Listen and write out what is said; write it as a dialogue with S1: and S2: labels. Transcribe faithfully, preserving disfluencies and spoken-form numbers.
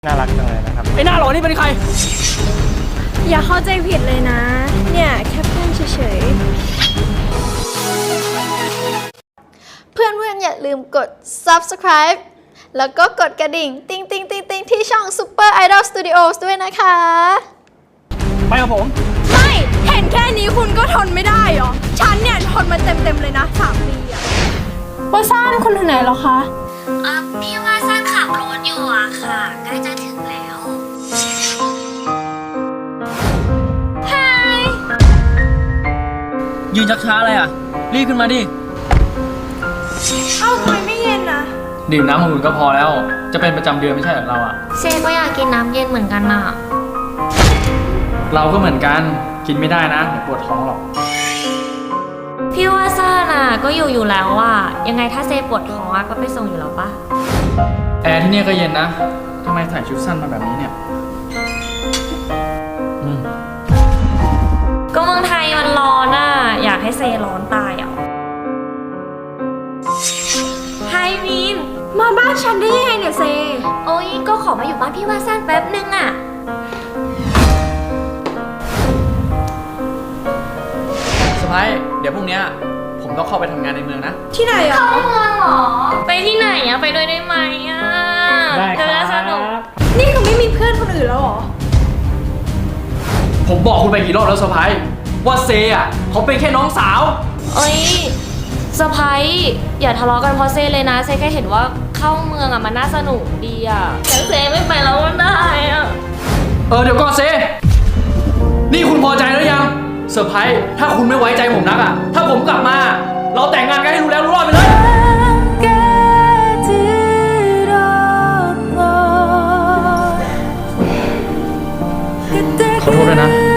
S1: น่ารักจังเลยนะครับ
S2: ไอ้หน้าหล่อนี่เป็นใคร
S3: อย่าเข้าใจผิดเลยนะเนี่ยแค่เพื่อนเฉยๆเพื่อนเพื่อนอย่าลืมกด ซับสไครบ์ แล้วก็กดกระดิ่งติ๊งติ๊งติ๊งติ๊งที่ช่อง ซูเปอร์ ไอดอล สตูดิโอส ด้วยนะคะ
S2: ไปกับผม
S3: ไม่เห็นแค่นี้คุณก็ทนไม่ได้หรอฉันเนี่ยทนมาเต็มๆเลยนะสามปีอะว่าซ่านคุณถึงไหนแล้วคะ
S4: เออพี่ว่าซ่านขับรถอยู่อะค่ะใกล้จะถึงแล้วฮาย
S2: ยืนชักช้าอะไรอ่ะรีบขึ้นมาดิ
S3: เอ้าทำไมไม่เย็นนะ
S2: ดื่มน้ำอุ่นก็พอแล้วจะเป็นประจำเดือนไม่ใช่เหรอเราอ่ะ
S4: เซก็อยากกินน้ำเย็นเหมือนกันน่ะ
S2: เราก็เหมือนกันกินไม่ได้นะเดี๋ยวปวดท้องหรอก
S4: พี่ว่าซ่านอะก็อยู่อยู่แล้วอะยังไงถ้าเซปวดท้องอะก็ไปส่งอยู่แล้วปะ
S2: แอร์ที่นี่ก็เย็นนะทำไมใส่ชุดสั้นมาแบบนี้เนี่ยอืม
S4: ก็เมืองไทยมันร้อนอะอยากให้เซร้อนตายอ่ะไฮมีน
S3: มาบ้านฉันได้ยังไงเนี่ยเซ
S4: โอ้ยก็ขอมาอยู่บ้านพี่ว่าซ่านแป๊บนึงอะ
S2: สไปร์เดี๋ยวพรุ่งนี้ผมต้องเข้าไปทำงานในเมืองนะ
S3: ที่ไหนอ่ะ
S4: เข้าเมืองเหรอไปที่ไหนอะไปด้วยได้ไหมอะ
S2: ได้ครับ
S3: นี่คือไม่มีเพื่อนคนอื่นแล้วหรอ
S2: ผมบอกคุณไปกี่รอบแล้วสไปร์ว่าเซอ่ะเขาเป็นแค่น้องสาว
S4: เอ้ยสะพ้ายอย่าทะเลาะกันเพราะเซเลยนะเซแค่เห็นว่าเข้าเมืองอะมันน่าสนุกดีอะแต่เซไม่ไปแล้วก็ได้อะ
S2: เออเดี๋ยวก่อนเซนี่คุณพอใจหรือยังเซอร์ไพรส์ถ้าคุณไม่ไว้ใจผมนักอะถ้าผมกลับมาเราแต่งงานกันให้รู้แล้วรู้รอดไปเลยขอโทษด้วยนะ